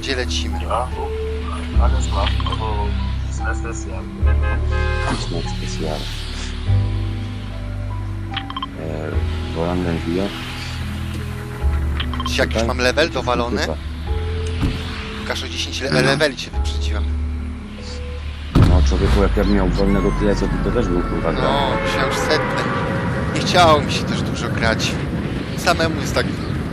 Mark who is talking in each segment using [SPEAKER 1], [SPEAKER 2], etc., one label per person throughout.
[SPEAKER 1] Gdzie lecimy?
[SPEAKER 2] Ja, alles klar, also das ja.
[SPEAKER 3] Snack specjal. Wolandę wbija.
[SPEAKER 1] Czy jakiś mam level dowalony? Łukasz o 10 leveli cię wyprzedziłem.
[SPEAKER 3] No człowieku, jak ja bym miał wolnego tyle, co ty, to też był kurwa gra.
[SPEAKER 1] No, myślałem już setny. Nie chciało mi się też dużo grać. Samemu jest tak...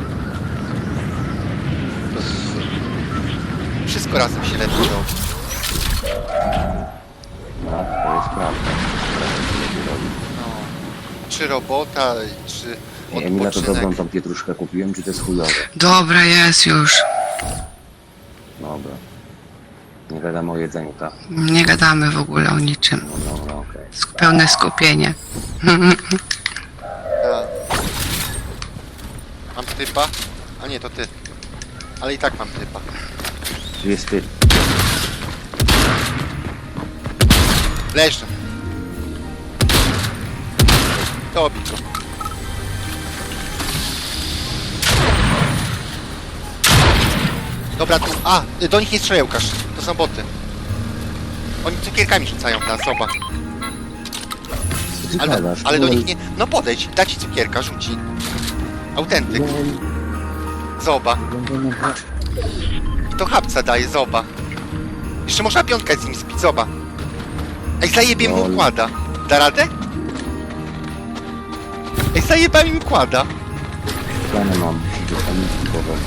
[SPEAKER 1] Wszystko razem się lepiej robi.
[SPEAKER 3] No, to jest prawda.
[SPEAKER 1] No. Czy robota, czy
[SPEAKER 3] Emila, to dobrą
[SPEAKER 1] odpoczynek.
[SPEAKER 3] tą pietruszkę kupiłem, czy to jest chujowe?
[SPEAKER 4] Dobra, jest już.
[SPEAKER 3] Dobra. Nie wiadomo o jedzeniu, tak?
[SPEAKER 4] Nie gadamy w ogóle o niczym.
[SPEAKER 3] No dobra, okej.
[SPEAKER 4] Pełne skupienie.
[SPEAKER 1] Ja. Mam typa? A nie, to ty. Ale i tak mam typa.
[SPEAKER 3] Tu jest ty.
[SPEAKER 1] Leżę. Dobij go. Dobra, tu... A! Do nich nie strzelaj, Łukasz. To są boty. Oni cukierkami rzucają na soba.
[SPEAKER 3] Co ty
[SPEAKER 1] Ale,
[SPEAKER 3] gadasz?
[SPEAKER 1] ale do nich nie... No podejdź, da ci cukierka, rzuci. Autentyk. Zoba. To chapca daje, zoba. Jeszcze można piątkę z nim spić, zoba. Ej, zajebie mu układa. Da radę? Ej, zajeba mi układa.
[SPEAKER 3] Plany mam, do pamięci powodzić.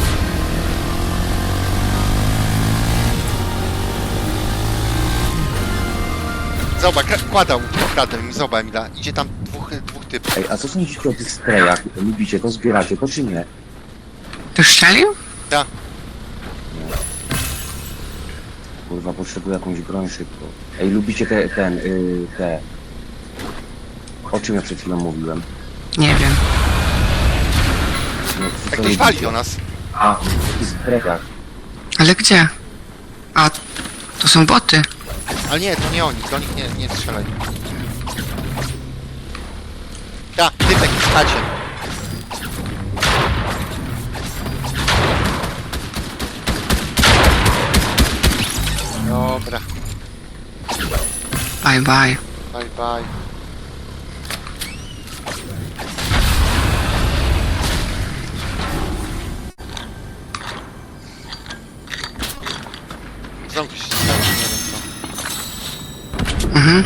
[SPEAKER 1] Zoba, kładał, okradłem mi, zoba Emila. Idzie tam dwóch typów.
[SPEAKER 3] Ej, a co sądzicie o tych sprayach? Lubicie to, zbieracie to, czy nie?
[SPEAKER 4] Ty strzelił?
[SPEAKER 1] Da.
[SPEAKER 3] Kurwa, potrzebuję jakąś broń szybko. Ej, lubicie te... O czym ja przed chwilą mówiłem?
[SPEAKER 4] Nie wiem.
[SPEAKER 3] No,
[SPEAKER 1] Jak
[SPEAKER 3] co
[SPEAKER 1] ktoś wali
[SPEAKER 3] lubicie?
[SPEAKER 1] do nas.
[SPEAKER 3] A, w tych sprayach.
[SPEAKER 4] Ale gdzie? A, to są boty.
[SPEAKER 1] Ale nie, to nie oni, do nich nie strzelaj. Da, typek w chacie. Dobra,
[SPEAKER 4] Bye, bye.
[SPEAKER 1] bye bye. Znowu się stało, nie wiem co.
[SPEAKER 4] Mhm.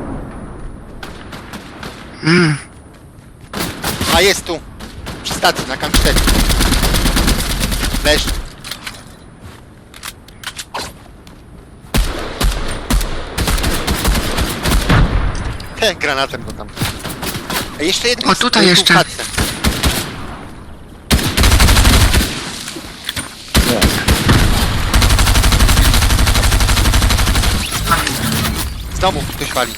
[SPEAKER 1] A jest tu! Przy stacji, na K4. Leż. Granatem go tam. A jeszcze jeden.
[SPEAKER 4] O, tutaj
[SPEAKER 1] tu w
[SPEAKER 4] jeszcze.
[SPEAKER 1] chatce. Znowu ktoś wali.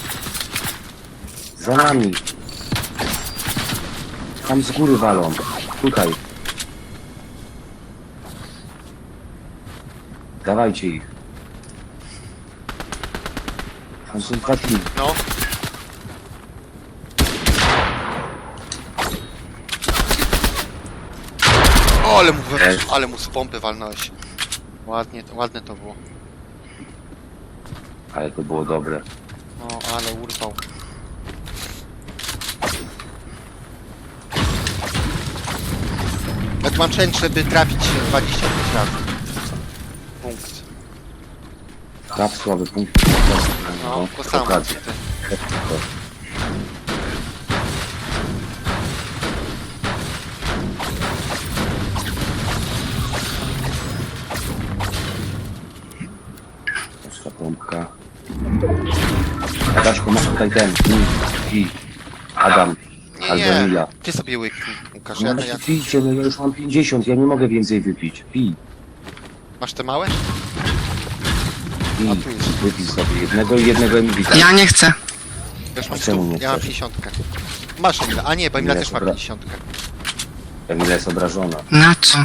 [SPEAKER 3] Za nami. Tam z góry walą. Tutaj. Dawajcie ich. Tam są taki.
[SPEAKER 1] No. O, ale mu z pompy walnąłeś. Ładne to było.
[SPEAKER 3] Ale to było dobre.
[SPEAKER 1] No, ale urwał. Jak mam chęć, żeby trafić 25 razy. Punkt.
[SPEAKER 3] Tak słaby punkt.
[SPEAKER 1] No, to samo.
[SPEAKER 3] Okazja. Prosta pompka. Adaśku, masz tutaj ten. I Adam.
[SPEAKER 1] Nie,
[SPEAKER 3] Albo
[SPEAKER 1] nie.
[SPEAKER 3] Emilia.
[SPEAKER 1] Ty sobie łyknij, Łukasz.
[SPEAKER 3] No
[SPEAKER 1] Ja,
[SPEAKER 3] właśnie
[SPEAKER 1] ja...
[SPEAKER 3] pijcie, no ja już mam 50, ja nie mogę więcej wypić. Pij,
[SPEAKER 1] Masz te małe?
[SPEAKER 3] pij.
[SPEAKER 1] A tu jest.
[SPEAKER 3] Wypij sobie jednego i jednego Emilii.
[SPEAKER 4] Ja nie chcę.
[SPEAKER 1] Ja już mam
[SPEAKER 3] A czemu
[SPEAKER 1] 100.
[SPEAKER 3] nie
[SPEAKER 1] Ja mam
[SPEAKER 3] chcesz?
[SPEAKER 1] 50. Masz Emila. A nie, bo Emila
[SPEAKER 3] Nie,
[SPEAKER 1] też ma
[SPEAKER 3] dobra.
[SPEAKER 1] 50.
[SPEAKER 3] Emilia jest obrażona.
[SPEAKER 4] Na co?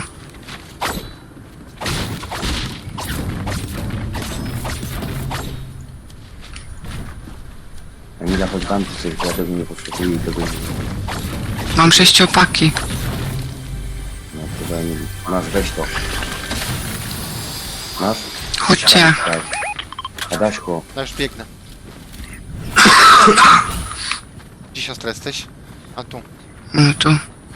[SPEAKER 3] Emilia, chodź wam tu coś, ja tego nie potrzebuję i tego nie...
[SPEAKER 4] Mam 6 opaki.
[SPEAKER 3] No, chyba Emilii. Masz, weź to. Masz?
[SPEAKER 4] Chodźcie.
[SPEAKER 3] Tak. Adaśko,
[SPEAKER 1] No już biegnę. Gdzie siostra jesteś? A tu.
[SPEAKER 4] No tu.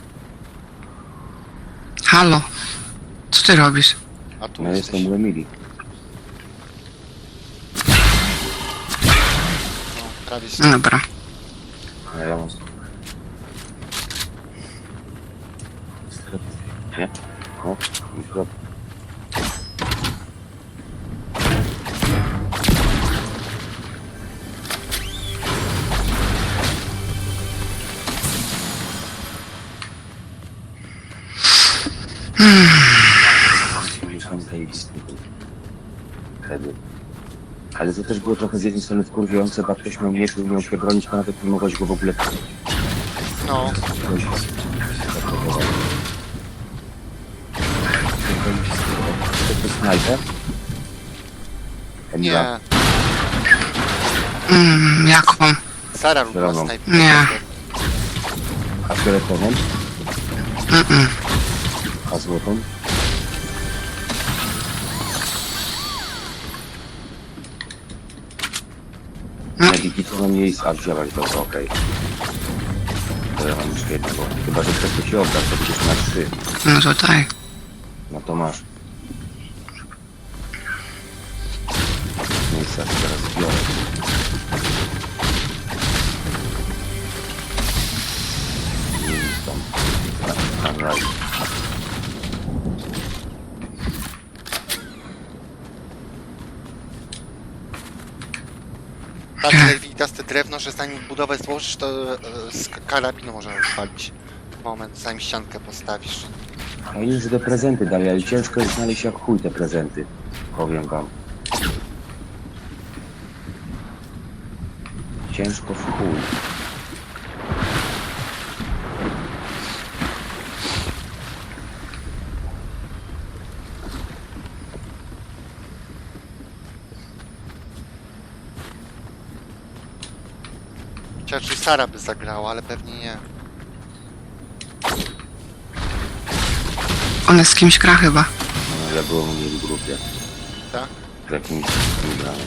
[SPEAKER 4] Halo. Co ty robisz?
[SPEAKER 1] A tu
[SPEAKER 3] no
[SPEAKER 1] jesteś.
[SPEAKER 3] jestem u Emilii.
[SPEAKER 1] No, prawie
[SPEAKER 4] No dobra.
[SPEAKER 3] A ja mam... Nie? O, mikro. Mieszkam zajebisty był. Wtedy. Ale to też było trochę z jednej strony wkurwiające, bo ktoś miał miecz, umiał się bronić, a nawet nie mogłeś go w ogóle...
[SPEAKER 1] No,
[SPEAKER 3] To jest snajper? Emila?
[SPEAKER 1] nie.
[SPEAKER 4] Jaką?
[SPEAKER 1] Sara lubiła
[SPEAKER 3] Zieloną.
[SPEAKER 1] snajper.
[SPEAKER 4] Nie.
[SPEAKER 3] A fioletową?
[SPEAKER 4] Mm-mm.
[SPEAKER 3] A złotą?
[SPEAKER 4] No.
[SPEAKER 3] Mediki to nam jej... A wzięłaś, dobra, okej. To ja mam już jednego. Chyba, że chcesz to się oddać, to będziesz na 3.
[SPEAKER 4] No tutaj.
[SPEAKER 3] No to masz. Miejsca teraz biorę. Nie wiem, tam. Na razie.
[SPEAKER 1] Tak, lewitaste drewno, że zanim budowę złożysz, to z karabinu można rozpalić. Moment, zanim ściankę postawisz.
[SPEAKER 3] A już te prezenty dali, ale ciężko jest znaleźć jak chuj te prezenty. Powiem wam. Ciężko w chuj.
[SPEAKER 1] Chociaż Sara by zagrała, ale pewnie nie.
[SPEAKER 4] Ona z kimś gra chyba.
[SPEAKER 3] No, ja byłem u niej w grupie.
[SPEAKER 1] Tak?
[SPEAKER 3] Z jakimś granem.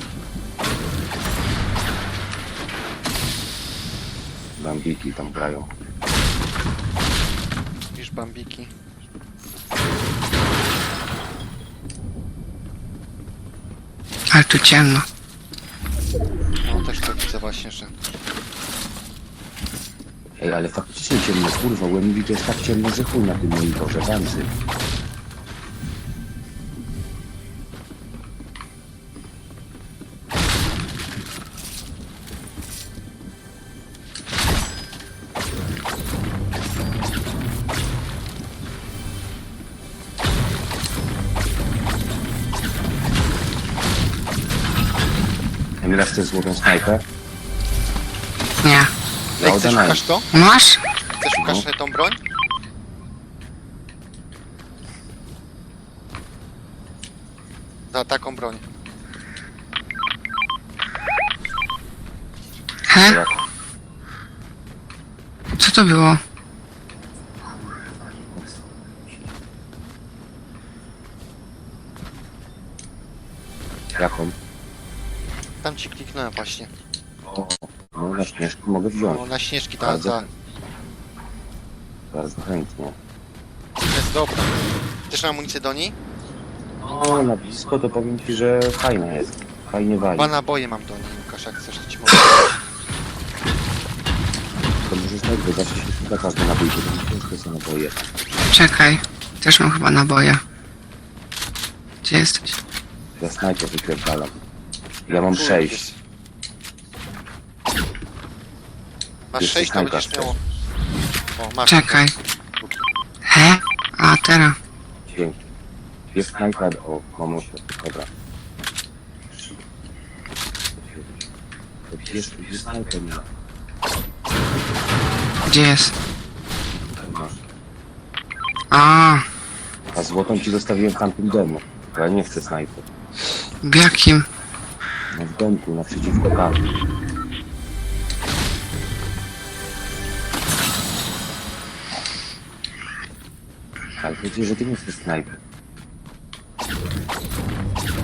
[SPEAKER 3] Bambiki tam grają.
[SPEAKER 1] Widzisz bambiki.
[SPEAKER 4] Ale tu ciemno.
[SPEAKER 1] No też to widzę właśnie, że...
[SPEAKER 3] Ej, ale faktycznie ciemno, kurwa, u Emilii to jest tak ciemno, że chuj na tym monitorze, Wanzy. Emila, chcesz złotą snajpę?
[SPEAKER 4] Nie.
[SPEAKER 3] Ja
[SPEAKER 1] Ej, chcesz
[SPEAKER 3] oddałem.
[SPEAKER 1] szukasz to?
[SPEAKER 4] Masz?
[SPEAKER 1] Chcesz szukasz tą broń? Za taką broń.
[SPEAKER 4] He?
[SPEAKER 3] Jak?
[SPEAKER 4] Co to było?
[SPEAKER 3] Jaką?
[SPEAKER 1] Tam ci kliknąłem właśnie.
[SPEAKER 3] O, no na śnieżku mogę wziąć.
[SPEAKER 1] No, na śnieżki ta,
[SPEAKER 3] Bardzo.
[SPEAKER 1] ta.
[SPEAKER 3] Bardzo chętnie.
[SPEAKER 1] Jest dobra. Chcesz amunicję do niej?
[SPEAKER 3] O, na blisko to powiem ci, że fajna jest. Fajnie wali.
[SPEAKER 1] 2 naboje mam do niej, Łukasz, jak chcesz, to ci mogę.
[SPEAKER 3] To możesz najpierw zawsze się szuka każdy nabój, bo to ciężko są naboje.
[SPEAKER 4] Czekaj. Też mam chyba naboje. Gdzie jesteś?
[SPEAKER 3] Ja snajper wykręcalam. Ja mam
[SPEAKER 1] Tu
[SPEAKER 3] 6.
[SPEAKER 1] jest. Masz
[SPEAKER 3] Jeszcze
[SPEAKER 1] 6, to
[SPEAKER 3] snajpa
[SPEAKER 1] będziesz
[SPEAKER 3] chcesz.
[SPEAKER 1] miało. O, masz.
[SPEAKER 4] Czekaj. He? A, teraz.
[SPEAKER 3] Dzięki. Jest snajper, o, mam 8. Dobra. Jest snajper, nie.
[SPEAKER 4] Gdzie jest?
[SPEAKER 3] Tutaj masz.
[SPEAKER 4] A,
[SPEAKER 3] A złotą ci zostawiłem w tamtym domu. Bo ja nie chcę snajper.
[SPEAKER 4] w jakim?
[SPEAKER 3] No w domku, naprzeciwko karty. Ale chodzi, że ty nie chcesz snajper.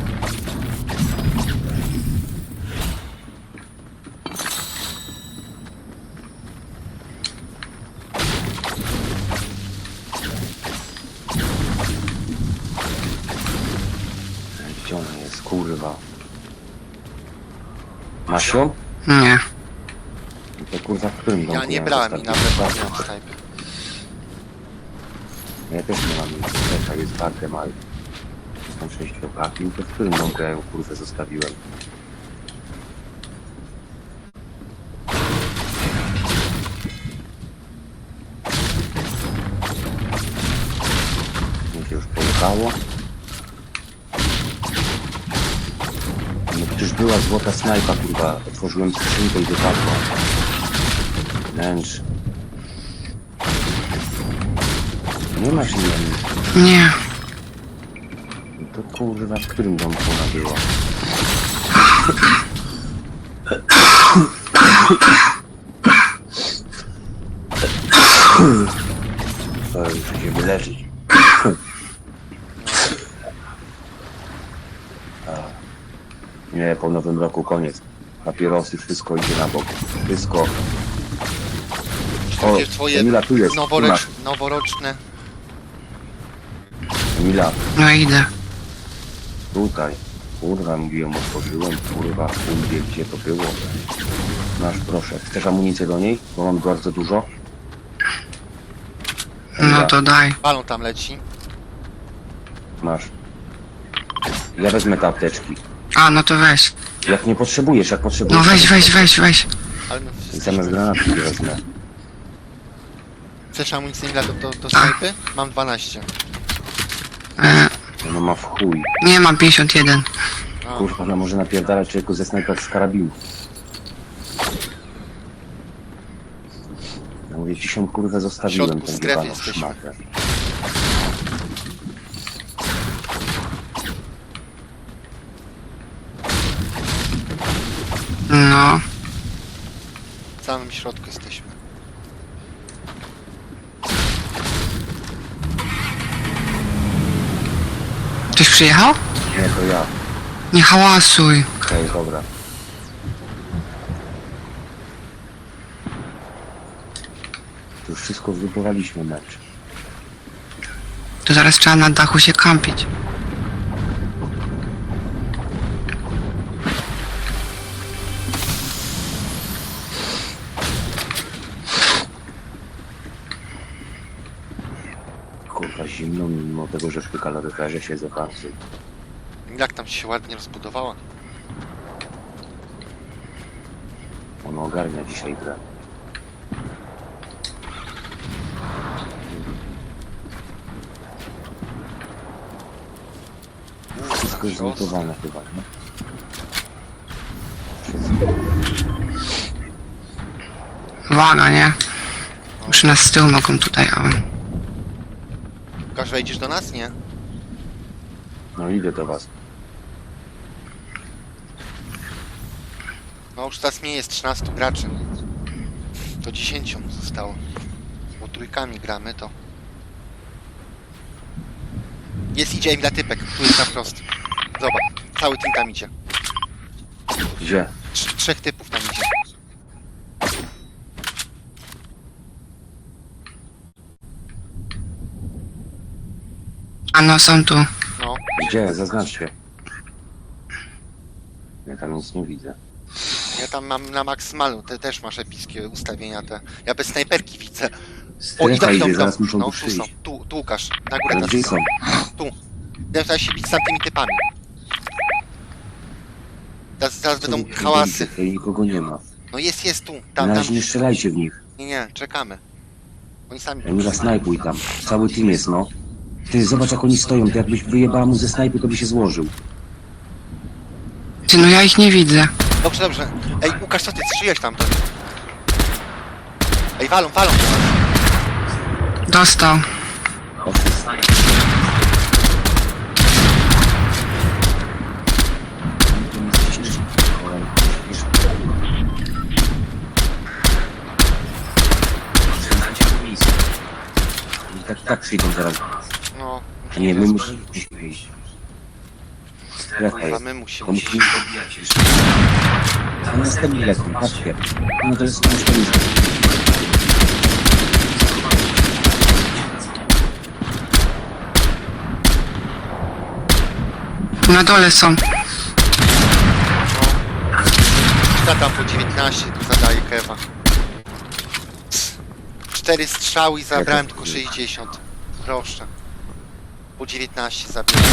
[SPEAKER 3] Gdzie ona jest, kurwa? Masz ją?
[SPEAKER 4] Nie.
[SPEAKER 3] To kurwa w którym domku
[SPEAKER 1] Ja nie
[SPEAKER 3] ją
[SPEAKER 1] brałem i
[SPEAKER 3] zostawiłem?
[SPEAKER 1] nawet nie mam snajpy.
[SPEAKER 3] Ja też nie mam nic, też jest barkiem, ale są 6 okaki, to w którym domku ja ją kurwę zostawiłem? Mi się już pojechało. No przecież była złota snajpa, kurwa, otworzyłem skrzynkę i wypadła. Wręcz. Nie masz nic.
[SPEAKER 4] Nie.
[SPEAKER 3] No to kurwa, w którym domku ona była? To już się wyleczyć. Nie, po nowym roku koniec. Papierosy, wszystko idzie na bok. Wszystko. O,
[SPEAKER 1] Wiesz, twoje
[SPEAKER 3] Emila, tu jest.
[SPEAKER 1] noworoczne.
[SPEAKER 3] Emila,
[SPEAKER 4] No idę.
[SPEAKER 3] tutaj. Kurwa, mówiłem, otworzyłem. Kurwa, wie gdzie to było. Masz, proszę. Chcesz amunicję do niej? Bo mam bardzo dużo.
[SPEAKER 4] No to daj.
[SPEAKER 1] Balon tam leci.
[SPEAKER 3] Masz. Ja wezmę te apteczki.
[SPEAKER 4] A, no to weź.
[SPEAKER 3] Jak nie potrzebujesz, jak potrzebujesz...
[SPEAKER 4] No weź.
[SPEAKER 1] Ale no,
[SPEAKER 3] Zamiast granatki wezmę.
[SPEAKER 1] chcesz amunicję do snajpy? Mam 12.
[SPEAKER 3] No ma w chuj.
[SPEAKER 4] Nie, mam 51.
[SPEAKER 1] A,
[SPEAKER 3] Kurwa, ona może napierdalać człowieku ze snajper z karabinu. Ja mówię, ci się kurwę
[SPEAKER 1] W
[SPEAKER 3] zostawiłem,
[SPEAKER 1] środku
[SPEAKER 3] ten
[SPEAKER 1] strefy
[SPEAKER 3] dywan,
[SPEAKER 1] jesteśmy.
[SPEAKER 3] szmatę.
[SPEAKER 4] No.
[SPEAKER 1] w samym środku jesteśmy.
[SPEAKER 4] Ktoś przyjechał?
[SPEAKER 3] Nie, to ja.
[SPEAKER 4] Nie hałasuj.
[SPEAKER 3] Okej, dobra. To już wszystko wygrywaliśmy mecz.
[SPEAKER 4] To zaraz trzeba na dachu się kampić.
[SPEAKER 3] Kurwa, zimno mimo tego, że przy kaloryferze siedzę bardziej.
[SPEAKER 1] Jak tam ci się ładnie rozbudowała?
[SPEAKER 3] Ono ogarnia dzisiaj grę. Wszystko jest zlutowane chyba, nie?
[SPEAKER 4] Uwaga, nie? Już nas z tyłu mogą tutaj, ale...
[SPEAKER 1] Łukasz, wejdziesz do nas? Nie?
[SPEAKER 3] No idę do was.
[SPEAKER 1] No już teraz mnie jest 13 graczy. To 10 zostało. Bo trójkami gramy, to... Idzie im dla typek. Tu jest na wprost. Zobacz. Cały team tam idzie.
[SPEAKER 3] Gdzie?
[SPEAKER 1] 3 typów tam idzie.
[SPEAKER 4] A no, są tu.
[SPEAKER 1] No.
[SPEAKER 3] Gdzie? Zaznaczcie. Ja tam nic nie widzę.
[SPEAKER 1] Ja tam mam na maksymalną. Ty też masz epickie ustawienia te. Ja bez snajperki widzę.
[SPEAKER 3] Strefa idzie, zaraz muszą
[SPEAKER 1] No,
[SPEAKER 3] tu
[SPEAKER 1] tu
[SPEAKER 3] przyjść.
[SPEAKER 1] są. Tu Łukasz. Na górę
[SPEAKER 3] Ale
[SPEAKER 1] teraz
[SPEAKER 3] gdzie są?
[SPEAKER 1] Tu. Teraz się bić z tamtymi typami. Zaraz będą hałasy.
[SPEAKER 3] Tutaj nikogo nie ma.
[SPEAKER 1] No jest tu.
[SPEAKER 3] Na
[SPEAKER 1] Tam.
[SPEAKER 3] razie nie strzelajcie w nich.
[SPEAKER 1] Nie, czekamy. Oni sami.
[SPEAKER 3] Emila, snajpuj tam. Cały team jest, no. Ty, zobacz jak oni stoją. Ty jakbyś wyjebała mu ze snajpy, to by się złożył.
[SPEAKER 4] Ty, no ja ich nie widzę.
[SPEAKER 1] Dobrze. Ej, Łukasz, co ty strzeliłeś tam? Ej, walą.
[SPEAKER 4] Dostał.
[SPEAKER 3] Tak przyjdą zaraz.
[SPEAKER 1] No.
[SPEAKER 3] Nie, my musimy wyjść. Strefa
[SPEAKER 1] Kurwa,
[SPEAKER 3] jest.
[SPEAKER 1] my
[SPEAKER 3] To
[SPEAKER 1] musimy.
[SPEAKER 3] musimy pobijać jeszcze. A następny lekko, patrzcie. No to jest następny.
[SPEAKER 4] Tu na dole są.
[SPEAKER 1] Ja tam po 19 tu zadaję kewa. 4 strzały i zabrałem tylko 60. Proszę. Po 19 zabiłem.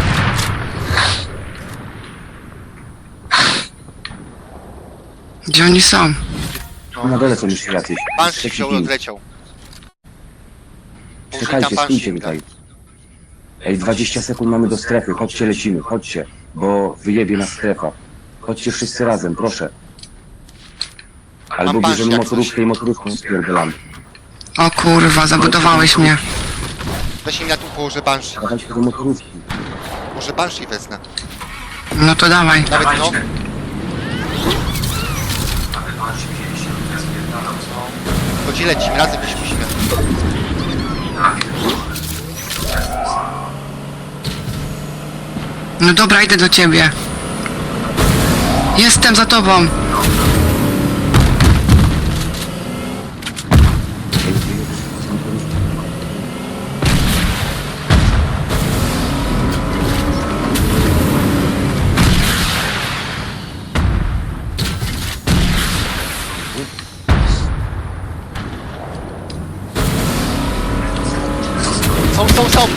[SPEAKER 4] Gdzie oni są?
[SPEAKER 3] Na dole są jeszcze jacyś.
[SPEAKER 1] Banshee
[SPEAKER 3] Trzeci
[SPEAKER 1] wziął i
[SPEAKER 3] team.
[SPEAKER 1] odleciał. Poszli
[SPEAKER 3] Czekajcie,
[SPEAKER 1] tam
[SPEAKER 3] stójcie
[SPEAKER 1] Banshee.
[SPEAKER 3] tutaj. Ej, 20 sekund mamy do strefy. Chodźcie, lecimy, chodźcie. Bo wyjebie nas strefa. Chodźcie wszyscy razem, proszę. Albo
[SPEAKER 1] Mam Banshee
[SPEAKER 3] bierzemy
[SPEAKER 1] jak
[SPEAKER 3] motorówkę i motorówką spierdolamy.
[SPEAKER 4] O kurwa, zabudowałeś mnie.
[SPEAKER 1] Weź mi na tu położę Banshee.
[SPEAKER 3] Dawajcie do motorówki.
[SPEAKER 1] Może Banshee wezmę.
[SPEAKER 4] No to dawaj.
[SPEAKER 1] Nawet no. To gdzie lecimy? Razem gdzieś musimy.
[SPEAKER 4] No dobra, idę do ciebie. Jestem za tobą.
[SPEAKER 3] Ej, wyjedziesz z motorówki.
[SPEAKER 1] Są!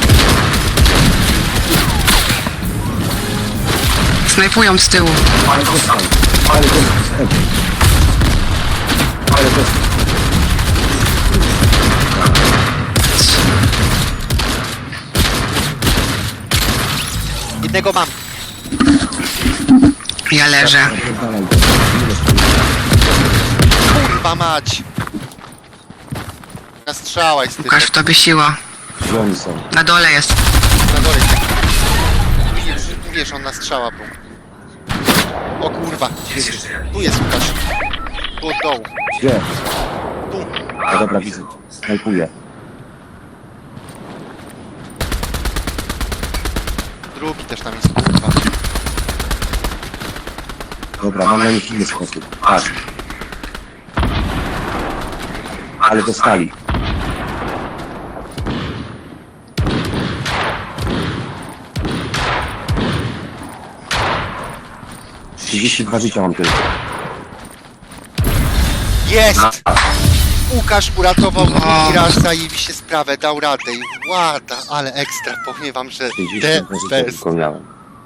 [SPEAKER 4] Snajpują z tyłu.
[SPEAKER 3] Ale dostał. Ale dostał. Ale dostał.
[SPEAKER 1] Jednego mam.
[SPEAKER 4] Ja leżę.
[SPEAKER 3] Napierdalaj go. Ile
[SPEAKER 1] Kurwa mać. Na strzała jest
[SPEAKER 4] Łukasz, w
[SPEAKER 1] typek.
[SPEAKER 4] tobie siła.
[SPEAKER 3] Gdzie oni są?
[SPEAKER 4] Na dole jest.
[SPEAKER 1] Na dole jest. Wiesz, on na strzała był. O kurwa. Tu jest Łukasz. Tu od dołu.
[SPEAKER 3] Gdzie?
[SPEAKER 1] Tu.
[SPEAKER 3] A dobra, widzę. Snajpuję.
[SPEAKER 1] Drugi też tam jest kurwa.
[SPEAKER 3] Dobra, mam na nich inny sposób. Patrz. Ale dostali. Trzydzieści 32 życia mam tylko.
[SPEAKER 1] Jest! Łukasz uratował
[SPEAKER 4] O.
[SPEAKER 1] drugi raz, zajebiście sprawę, dał radę i łada, ale ekstra, powiem wam, że
[SPEAKER 3] 32 życia
[SPEAKER 1] bez.
[SPEAKER 3] tylko miałem.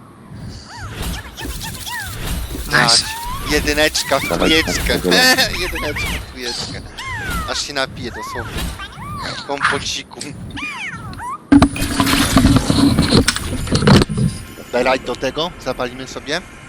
[SPEAKER 4] Nice.
[SPEAKER 1] Jedyneczka w
[SPEAKER 3] Dawaj,
[SPEAKER 1] tujeczkę.
[SPEAKER 3] tak,
[SPEAKER 1] Jedyneczka w tujeczkę. Aż się napije dosłownie. Kompociku. Daj rajd do tego, zapalimy sobie.